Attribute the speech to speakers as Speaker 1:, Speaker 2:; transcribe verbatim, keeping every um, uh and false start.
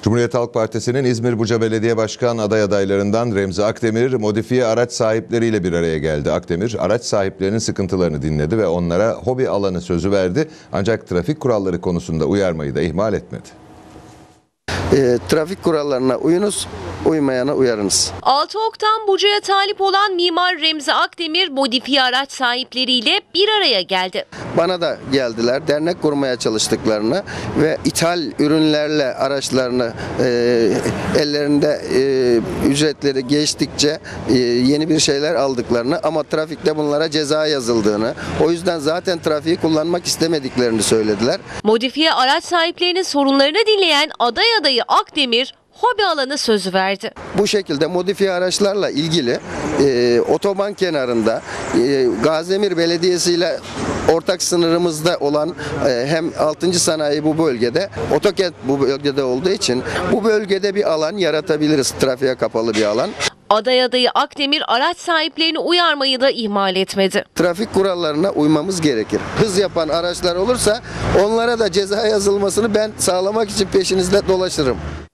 Speaker 1: Cumhuriyet Halk Partisi'nin İzmir Buca Belediye Başkan aday adaylarından Remzi Akdemir modifiye araç sahipleriyle bir araya geldi. Akdemir araç sahiplerinin sıkıntılarını dinledi ve onlara hobi alanı sözü verdi. Ancak trafik kuralları konusunda uyarmayı da ihmal etmedi.
Speaker 2: E, trafik kurallarına uyunuz, uymayana uyarınız.
Speaker 3: altı oktan Buca'ya talip olan mimar Remzi Akdemir modifiye araç sahipleriyle bir araya geldi.
Speaker 2: Bana da geldiler, dernek kurmaya çalıştıklarını ve ithal ürünlerle araçlarını e, ellerinde e, ücretleri geçtikçe e, yeni bir şeyler aldıklarını ama trafikte bunlara ceza yazıldığını, o yüzden zaten trafiği kullanmak istemediklerini söylediler.
Speaker 3: Modifiye araç sahiplerinin sorunlarını dinleyen aday adayı Akdemir hobi alanı sözü verdi.
Speaker 2: Bu şekilde modifiye araçlarla ilgili e, otoban kenarında e, Gaziemir Belediyesi ile ortak sınırımızda olan e, hem altıncı sanayi bu bölgede, Otokent bu bölgede olduğu için bu bölgede bir alan yaratabiliriz, trafiğe kapalı bir alan.
Speaker 3: Aday adayı Akdemir araç sahiplerini uyarmayı da ihmal etmedi.
Speaker 2: Trafik kurallarına uymamız gerekir. Hız yapan araçlar olursa onlara da ceza yazılmasını ben sağlamak için peşinizde dolaşırım.